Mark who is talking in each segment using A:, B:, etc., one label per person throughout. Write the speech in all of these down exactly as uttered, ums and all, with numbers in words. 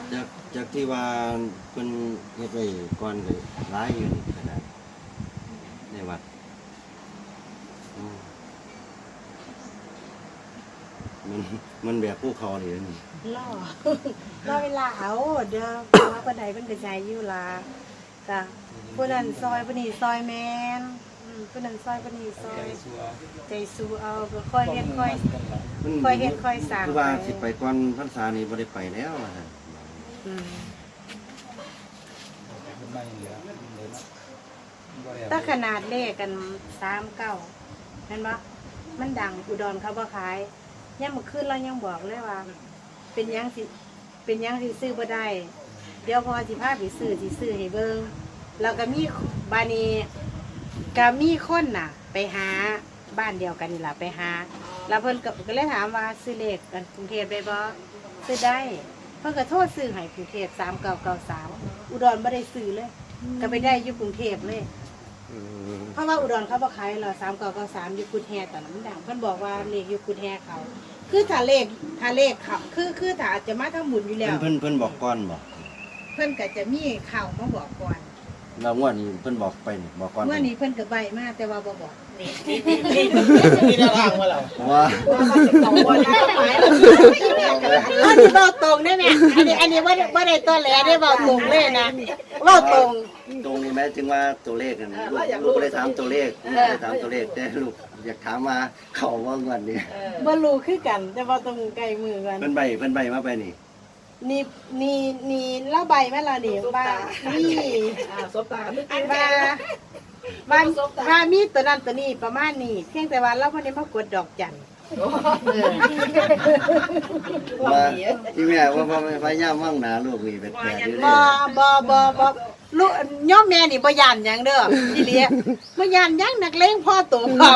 A: จากจากที่ว่าเพิ่นเฮ็ดไว้ก่อนก็หลายอยู่นี่ขนาดในวัดอืมมันมันแบบภูเขาเลยนี่
B: ล่อ ล่อเวลาเอาเดี๋ยวว่าปานใดเพิ่นก็ใจอยู่ล่ะจ้ะผู้นั้นซอยผู้นี้ซอยแม่นอืมผู้นั้นซอยผู้นี้ซอยใจสู้เอาก็ค่อยเฮ็ดค่อย
A: มัน
B: ค่อยเฮ็ดค่อยสร้าง
A: คือว่า
B: ไป
A: สิไปก่อนพรรษานี่บ่ได้ไปแล้วว่าซั่น
B: อืม
C: ไม่เหลือเหลือนะ
B: ถ้าขนาดเลขกันสามเก้าเห็นปะมันดังอุดรเขาบ่ขายยังมาขึ้นเรายังบอกเลยว่า เป็นหยังสิเป็นหยังสิซื้อบ่ได้ เดี๋ยวพอสิพาไปซื้อสิซื้อให้เบิ่งแล้วก็มีบานีก็มีคนน่ะ ไปหาบ้านเดียวกันนี่ล่ะไปหา แล้วเพิ่นก็ก็เลยถามว่าซื้อเลขกันกรุงเทพได้บ่ซื้อได้เพิ่นก็โทษซื้อให้กรุงเทพสามเก้าเก้าสามอุดรบ่ได้ซื้อเลย ก็ไปได้อยู่กรุงเทพเลย
D: อืม
B: เพราะว่าอุดรเขาบอกขายเราสามเก้าเก้าสามอยู่กุดแฮตอนนั้นมันดังเพิ่นบอกว่าเลขอยู่กุดแฮเขา คือถ้าเลขถ้าเลขเขาคือคือถ้าจะมาทั้งหมุนอยู่แล้ว
A: เพิ่นเพิ่นเพิ่นบอกก่อนบ่
B: เพิ่นก็จะมีข่าวมาบอกก่อน
A: แล้วงวดนี้เพิ่นบอกไปนี่บอกก่อน
B: เมื่อนี้เพิ่นก็ใบมาแต่ว่าบ่บอก
C: นี่ได้ทางมาแล้ว
A: ว่า
B: สองคนได้หมายอันนี้เว้าตรงได้แม่อันนี้อันนี้บ่ได้บ่ได้ตัวแหลได้เว้าตรงเลยนะเว้าตรง
A: ตรงนี้แม้ถึงว่าตัวเลขกันลูกลูกบ่ได้ถามตัวเลขลูกบ่ได้ถามตัวเลขแต่ลูกอยากถามว่าเขาว่างวดนี้
B: บ่รู้คือกัน แต่ว่าต้องใกล้มือกัน
A: เพิ่นใบเพิ่นใบมาไปนี่
B: นี่นี่นี่เล่าใบแม่ละนี่ว่านี่
E: สบตา
B: ว่าว่าว่ามีตัวนั้นตัวนี้ประมาณนี้เพียงแต่ว่าเราไม่ได้มากดดอกจันเออ
A: ว่าที่แม่ว่าว่าพยายามว่างหนาลูกนี่เป็นแปดอยู่
B: บ
A: เด้
B: อบอบอบอลูกย่อมแม่นี่บ่ยานหยังเด้อพี่เลี้ยบ่ยานหยังนักเลงพ่อตัวความ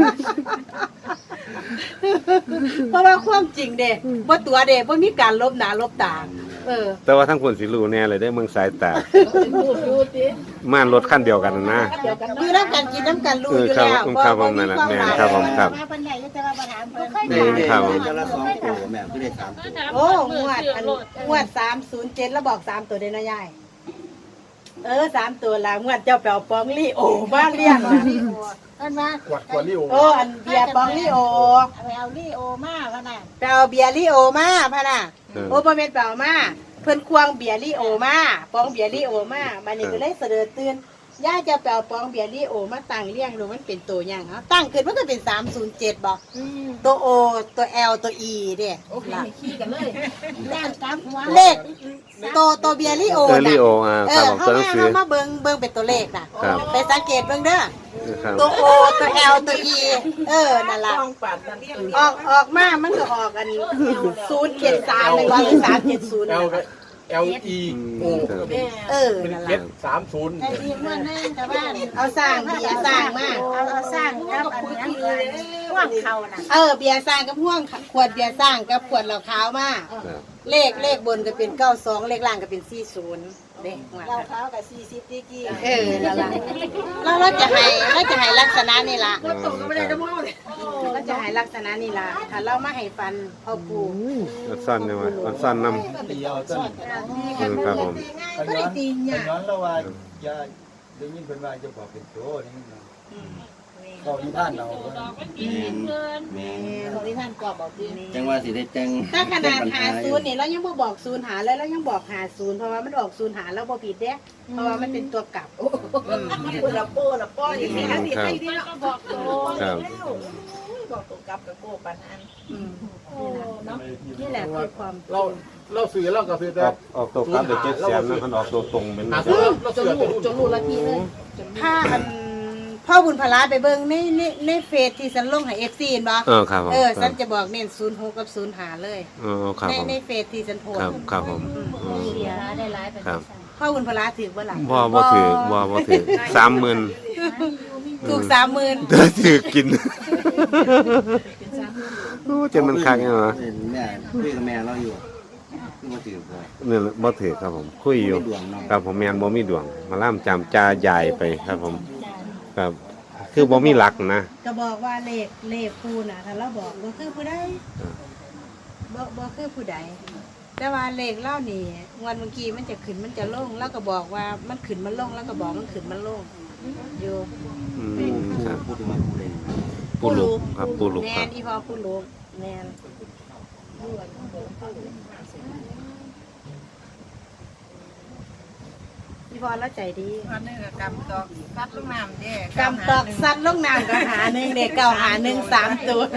B: เพราะว่าความจริงเด้บ่ตัวเด้บ่มีการลบหน้าลบตาเออ
D: แต่ว่าทั้งคนสิรู้แน่เลยได้เมืองสายตา
E: พูดดูสิ
D: ม่านรถคันเดียวกันนะนะ
E: เดียวกัน
B: อยู่น้ำกันกินน้ำกันรู้อยู่แล้ว
D: เออครับผมนั่นน่ะแม่นครับผมครับ
B: มาเพิ่นใหญ่แต่ว่าบ่ถามเพิ่น
A: เด้เด้
D: ครับ
A: แต่ละสองตัวแม่คือได้สามตัว
B: โอ้งวดอันงวดสามศูนย์เจ็ดแล้วบอกสามตัวเด้นะยายเออสามตัวละงวดเจ้าแปวปองลี่โอบ้านเลี้ยงนะ
E: อันมา
C: กวดกวดลิโอ
B: โอ้อันเบียร์ปองลี่โอ
E: ไปเอาลี่โอมาขนาด
B: แปวเบียร์ลี่โอมาพะน่ะ
D: เออ
B: โอ้บ่แม่นแปวมาเพิ่นควงเบียร์ลี่โอมาปองเบียร์ลี่โอมาบัดนี้ก็เลยเสดอตื่นย่าจะแปวปองเบียร์ลี่โอมาตั้งเลี้ยงดูมันเป็นตัวหยังเฮาตั้งขึ้นมันก็เป็นสามศูนย์เจ็ดบ่ตัวโอตัว L ตัว E เด้
E: โอเคขี้กันเลยย่านกลางหัว
B: เลขตัวตัวเบียร์ลี่โอ
D: เออลิ
B: น่ะ
D: โออ่า
B: เอ
D: ครับ
B: อ
D: ผม
B: เข้า
D: ตัวหนัง
B: มา
D: สือ
B: เข้ามาเบิ่งเบิ่งเป็นตัวเลขน่ะ
D: ครับ
B: ไปสังเกตเบิ่งเด้อ
D: ครับ
B: ตัว O ตัว L ตัว E เออนั่นล่ะ
E: ต้องปัดนั่น
B: ออกออกมามันก็ออกกันศูนย์เจ็ดสามหนึ่งร้อยสามเจ็ดศูนย์
C: เอลเอลอีโอ
B: เออ
C: เป็น
B: นั่น
C: เจ็
B: ล่ะ
C: ดสามศูนย์
E: ไอ้ที่มันนั่นแต่ว่า
B: เอาสร้างเบียร์สร้างมา
E: เอาเอาสร้างกับอันนี้เลยว่างเขาน่ะ
B: เออเบียร์สร้างกับพ่วงขวดเบียร์สร้างกับขวดเหล้าขาวมา
D: ครับ
B: เลขเลขบนก็เป็นเก้าสองเลขล่างก็เป็นสี่ศูนย์เด้งวด
E: เรา
B: น่ะ
E: เขากับสี่สิบดีกี่
B: เออนั่นล่ะแล้วเราจะให้เราจะให้ลักษณะนี่ล่ะ
D: อืมครับ
B: เราจะให้ลักษณะนี่ล่ะถ้าเรามาให้ฟันพ่อปู่
D: อันสั้นใช่ไหมอันสั้นนำ
C: ตีเอาต้น
D: อืมครับผม
C: กันย้อนกันย้อนแล้วว่าจะได้ยินเป็นว่าจะบอกเป็นโตนี่นะก็ที่ท่านเรา
A: แม่นแม่น
E: ตรงที่ท่านกรอบบอกดี
A: จังว่าสิได้แต่ง
B: ถ้าขนาด
A: แต่งปัญ
B: หา
A: อ
B: ศูนย์นี่เรายังบ่บอกศูนย์หาเลยเรายังบอกหาศูนย์เพราะว่ามันออกศูนย์หาแล้วบ่ผิดเด้เพราะว่ามันเป็นตัวกลับ
E: คุณละโป้ละป้อนี่ที่นั่นที่
D: ครับ
E: ที่เราบอกโต
D: ครับ
E: บอกตัวกับกับโก้ปันอัน
B: อืม
E: โอ้เนาะ
B: นี่แหละคือความ
C: เราเราสื่อเราก็คือ
D: อ
C: แต่
D: อกออกตัวกลับเดี๋ยวเจ็ดแสนนะมันออกตัวตรงเป็น
C: หา
D: นะ
C: ซื้อเรา
E: จน
C: เสือ
E: รู้
C: ตัว
E: จนรู้ละทีเลย
B: ถ้าอันพ่อบุญพลาไปเบิ่งในในในเฟซที่ฉันลงให้ เอฟ ซี เห็นบ่
D: เออครับผม
B: เออ
D: ค
B: ฉั
D: รั
B: น
D: บ
B: จะบอกเน้นศูนย์หกกับศูนย์หาเลย
D: เออครับ
B: ใน
D: ผม
B: ในเฟซที่ฉันโพส
D: ครับ
B: ต์
D: ครับผมอืม
E: เสียได้หลายไป
D: ครับ
B: พ่อบุญพลาถือบ่ล่ะ
D: บ่บ่ถือบ่บ่ถือสามหมื่น
B: ถูกสามหมื่น
D: เด้อถือกินโอ้เจนมันคักเนี่ยเหรอ
A: เห็นแม่คุยกับแม่เราอยู่คือมาถือบ่
D: เนี่ยบ่ถือครับผม คุยอยู่
A: มีดวงเนาะ
D: ครับผมแม่นบ่มีดวง มาล่ามจำจาใหญ่ไปครับผมครับคือบ่มีหลักนะ
B: ก็บอกว่าเลขเลขปูน่ะถ้าเราบอกบ่คือผู้ใด
D: อ่า
B: บ่บ่คือผู้ใดแต่ว่าเลขเล่านี่งวันเมื่อกี้มันจะขึ้นมันจะลงแล้วก็บอกว่ามันขึ้นมันลงแล้วก็บอกมันขึ้นมันลงอยู่
D: อืมครับ
A: พูดถึงว่าผู้เล่น
D: ปูลุกครับปูลุก
B: แม
D: ครั
B: น
D: บ
B: อีพอผู้ลูกแมนอีพอแล้วใจดี
E: อันนึงก็กำตอกซัดลงน้ำเด้
B: กำตอกสัตว์ลงน้ำก็หาหนึ่งเด็กเก่าหาหนึ่งสามตัวเลย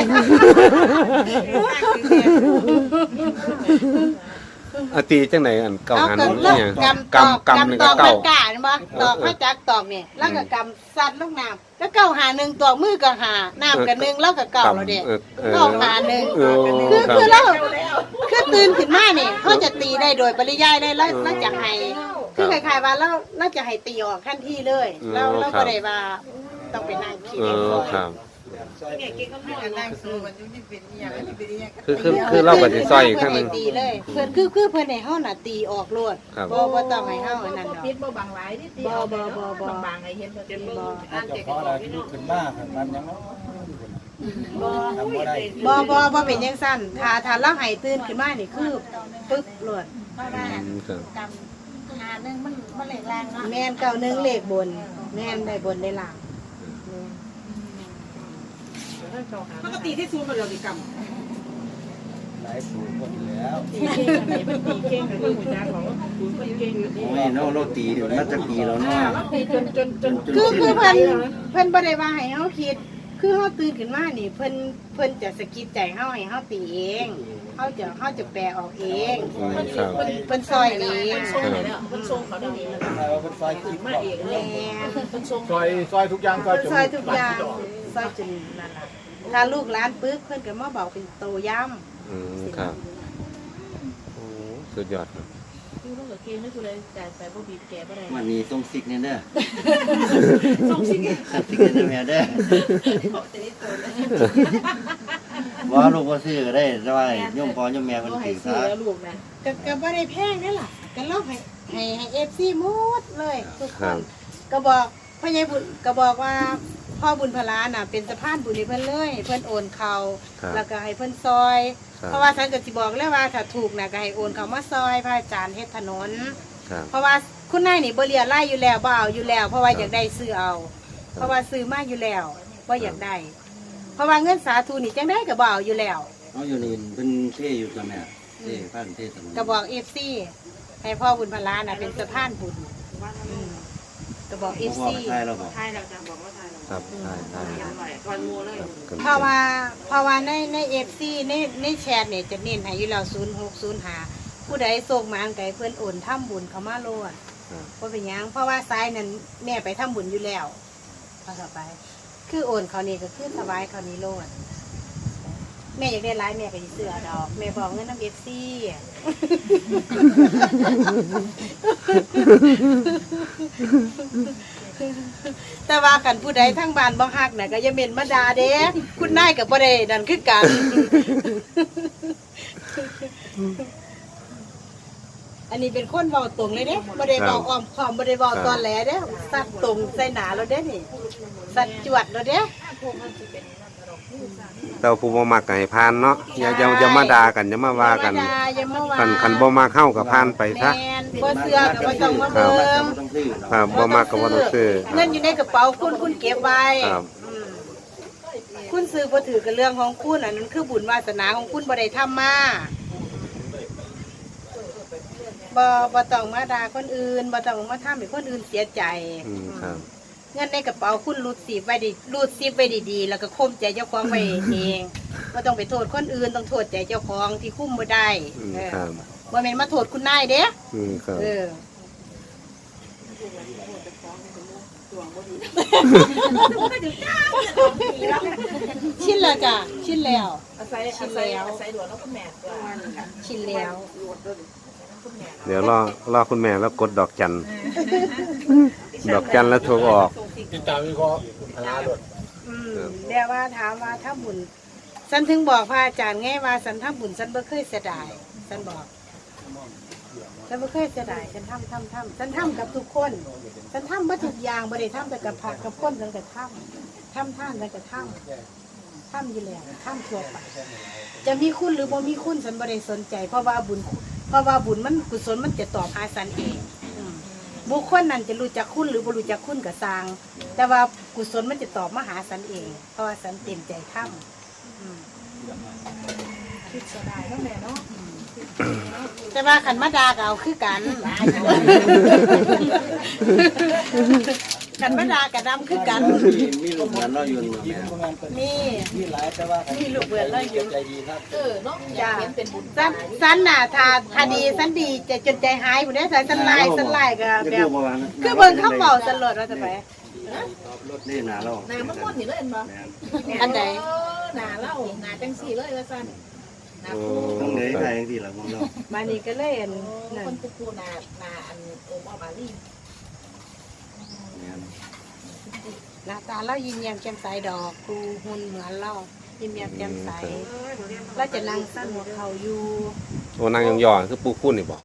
D: อาตีจังไหนอันเก่า
B: เอา
D: หัน
B: กำ
D: เนี่
B: เลิ
D: ย
B: กกำตอก
D: กำกำนี่
B: กำต
D: ก็
B: อก
D: เก่า
B: มันกาเห็นปะตอกมาจากตอกเนี่ยแล้วก็กำสัตว์ลงน้ำแล้วเก่าหาหนึ่งตัวมือก็หาน้ำกับหนึ่งแล้วก็เก่าเราเด็ก
D: เออเออ
B: เก่าหาหนึ่ง
D: เออ
B: คือ
D: ครับ
B: คือเราคือตื่นขึ้นมาเนี่ยเขาจะตีได้โดยปริยายได้แล้วแล้วจะให้คือคล้ายๆว่าเราเราจะให้ตีออกทันทีเลยเราเราก็ได้ว่าต้องไปนั่งคิด
D: เอ
B: เอง
D: อ
B: ก่อน
D: ครับ
E: เนี่ยเก่งก็ไม่นั่งสู้มันอยู่ที่เป็นอย่างที่เป็นอย่าง
D: คือคือคือเราก็สิซอยอีกครั้งหนึง
B: เพิ่นให้ตีเลยเพื่อนคือคือเพื่อนให้เฮาน่ะตีออกโลด
D: ครับ
B: บ่บ่ต้องให้เฮาอันนั้นดอก
E: ปิดบ่บางหลายที่ตีบางๆให้เห็นบ่เต็มบ่
C: ถ้าเจ้าของอะไรที่ลุกขึ้นมาขันมันยังเนาะ
B: บ่
C: ทำบ่ได้
B: บ่บ่บ่เป็นจังซั่นถ้าถ้าเราให้ตื่นขึ้นมานี่คือปึ๊บโลด
E: เพราะว่า
D: อืมครับ
E: กำหาหนึงมันมันเหล็กแรงเนาะ
B: แม่นเก้าหนึ่งเลขบน แม่นได้บนได้ล่าง
E: ปกติที่ซูมมาเราสิก
C: หลายสูงคนแล้ว
E: ำไหนมันตีเก่งกับมือจ้าของซูมเก่งกับ
A: โอ้ยเนาะเราตีมาจากปีแล้วเนาะ
E: ตีจนจนจน
B: คือคือเพิ่นเพิ่นบ่ได้ว่าให้เฮาคิด คือเฮาตื่นขึ้นมานี่เพิ่นเพิ่นจะสะกิดใจเฮาให้เฮาตีเองเฮาจะเฮาจะแปลออกเอง
D: อืมครับ
B: เพิ่นเพิ่นซอยเอง
E: ส่งเลยเนาะมันส่งเขาได้ดีมัน
C: ทำไมว่าเป็นไฟขึ้น
E: มา
C: ก่อน
E: เองเล
B: แม่
E: ย
B: น
E: มันส่ง
C: ซอยซอยทุกอย่างซอย
B: เพิ่นซอยทุกอย่างซอยจนนั่นล่ะถ้าลูกหลานปึ๊กเพิ่นก็มาบอกเป็นโตย่ำ
D: อืมครับโอ้สุดยอดครับ
E: คือต้องกับเก่งนี่คือเลยจ่ายไปบ่บีบแกบ่ได้
A: วันนี้ส่งซิกเนี่ยเด้อ
E: ส่งสิ
A: ขัดซิกเนี่ยแม่เด้อว่าลูกว่าซื้อก็ได้แต่ว่าโยมพ่อโยมแม่มัน
E: บ่ให้
A: ถือ
E: ซื้อ
A: ซะ
E: แล้วลูกนะ
B: ก็ก็บ่ได้แพงนี่ล่ะก็เล่าให้ให้ให้ เอฟ ซี หมดเลยทุกค
D: ครั
B: น
D: บ
B: ก็บอกพ่อใหญ่บุญก็บอกว่าพ่อบุญพลาน่ะเป็นสะพานบุญให้เพิ่นเลยให้เพิ่นโอนเขา
D: ครับ
B: แล้วก็ให้เพิ่นซอย
D: ครับ
B: เพราะว่าฉันก็สิบอกเลยว่าถ้าถูกน่ะก็ให้โอนเขามาซอยพระอาจารย์เฮ็ดถนน
D: ครับ
B: เพราะว่าคุณนายนี่บ่เรียไล่อยู่แล้วบ่เอาอยู่แล้ว เพราะว่าอยากได้ซื้อเอา เพราะว่าซื้อมาอยู่แล้วบ่อยากได้ เพราะว่าเงินสาธุนี่จังได้ก็บ่เอาอยู่แล้ว
A: เอาอยู่นี่เพิ่นเท่อยู่กับแม่เท่พันเท่สมุน
B: ก็บอก เอฟ ซี ให้พ่อบุญพลาน่ะเป็นสะพานบุญอืมก็บอก เอ
A: บ่
B: ฟ
A: พอ
B: ซี
A: มาใช่เราบอก
E: ไทยเราจะบอกว่าไทยเรา
D: ครับใช่ใช่
E: ยังไหวก่อนงูเลย
D: ครับ
B: เพราะว่าเพราะว่าในในเอฟซีในในแชทเนี่ยจะเน้นให้อยู่แล้วศูนย์หกศูนย์ห้าผู้ใดส่งมาอันไกเพื่อนโอนทำบุญเขามาโลด
D: ครับ
B: เพราะเป็นหยังเพราะว่าซ้ายนั้นแม่ไปทำบุญอยู่แล้วพอต่อไป คือโอนเขานี่ก็คือถวายเขานี่โลดแม่อยากได้ร้ายแม่ก็จะเสือดอก แม่บอกเงินน้ำเอฟซีแต่ว่ากันผู้ใดทั้งบ้านบ่ฮักน่ะก็อย่าเม่นมาด่าเด้คุณนายกับบ่ได้นั่นคือกัน อันนี้เป็นคนเว้าตรงเลยเด้บ่ได้เว้าอ้อมค้อมบ่ได้เว้าตอนแหลเด้สัตว์ตรงใส่หนาเราเด้นี่สัตว์จวดเราเด้
D: แต่ว่าผู้บ่มักก็ให้ผ่านเนาะอย่าอย่าอย่ามาด่ากันอย่ามาว่ากัน
B: อย่ามาด่าอย่ามาว่า
D: คันคันบ่มักเข้ากับผ่านไปซะ
B: แม่นบ่เสือก็บ่ต้องมา
D: ครั
B: เบิ่
D: บ
B: ง
A: ต้องซื้อ
D: ครับบ่มักก็บ่ต้องซื้อ
B: เงินอยู่ในกระเป๋าคุณคุณเก็บไว้
D: ครับ
B: อืมคุณซื้อบ่ถือกับเรื่องของคุณอันนั้นคือบุญวาสนาของคุณบ่ได้ทำมาบ่บ่ต้องมาด่าคนอื่นบ่ต้องมาทำให้คนอื่นเสียใจ
D: อืมครับ
B: เงินในกระเป๋าคุณรูดซีบไว้ดีรูดซีบไว้ดีๆแล้วก็ข่มใจเจ้าของไว้เองบ่ต้องไปโทษคนอื่นต้องโทษใจเจ้าของที่คุ้มบ่ได้
D: อืม
B: เออ
D: ครับ
B: บ่แม่นมาโทษคุณนายเด้
D: อืมครับ
B: เออชินแล้วจ้ะชินแล้ว
E: อาศัยอาศัยอาศัยด่วนแล้วก็แม่ตัว
B: ชินแล้ว
D: เดี๋ยวรอรอคุณแม่แล้วกดดอกจัน ดอกจันแล้วโทรออก
C: ติดตามวิเคราะห์พลาด
B: อืมเดี๋ยวว่าถามว่าถ้าบุญฉันถึงบอกพระอาจารย์ไงว่าฉันทำบุญฉันบ่เคยเสียดายฉันบอกฉันบ่เคยเสียดายฉันทำทำทำฉันทำกับทุกคนฉันทำมาทุกอย่างบ่ได้ทำแต่กับผักกับคนฉันก็ทำทำท่านฉันก็ทำถ้ำอยู่แล้วถ้ำทั่วไปจะมีคุณหรือบ่มีคุณฉันบ่ได้สนใจ เพราะว่าบุญเพราะว่าบุญมันกุศลมันจะตอบหาสันเองอืมบุคคลนั้นจะรู้จักคุณหรือบ่รู้จักคุณก็สร้าง แต่ว่ากุศลมันจะตอบมาหาสันเอง เพราะว่าสันเต็มใจทำอืม
E: คิดเสียดายเนาะแม่เนาะ
B: แต่ว่าขันมาดาก็เอาคือกันขันมาดากับดำคือกัน
A: มีมีลูกเหมือนเราอยู่
C: ยิ้
A: เนาะ
C: มประมาณเป็น
B: มี
C: มีหลายแต่ว่า
B: มีลูกเบื่อแล้วอยู่
C: ใจดีครับ
E: เออเนาะอยากเห็นเป็นบุญ
B: สันสันน่ะถ้าถ้าดีสันดีจะจนใจหายอยู่เนี่ยสันสันลายสันลายก็แบบคือเบิ่งเขาเบาสลดว่าจะไป
A: นี่หนาเรา
E: หนามันม่วนอยู่เลยเห็นบ่
B: อันใด
E: เออหนาเล่าหนาจังสี่เลยว่าซั่นหนา
D: โอ้
E: ปู
A: ต้องเลยใครที่เราของเรา
B: มานี่ก็เลยอันนั่
E: คน นปูปูหนาหนาอันโอมาบาลี
B: หน้าตาเรายิ้มแย้มแจ่มใสดอกครูหุ่นเหมือนเรายิ้มแย้มแจ่มใสเราจะนั่งสั้นหัวเข่าอยู่
D: โอ้นางยองๆคือปูคุ้นนี่บอก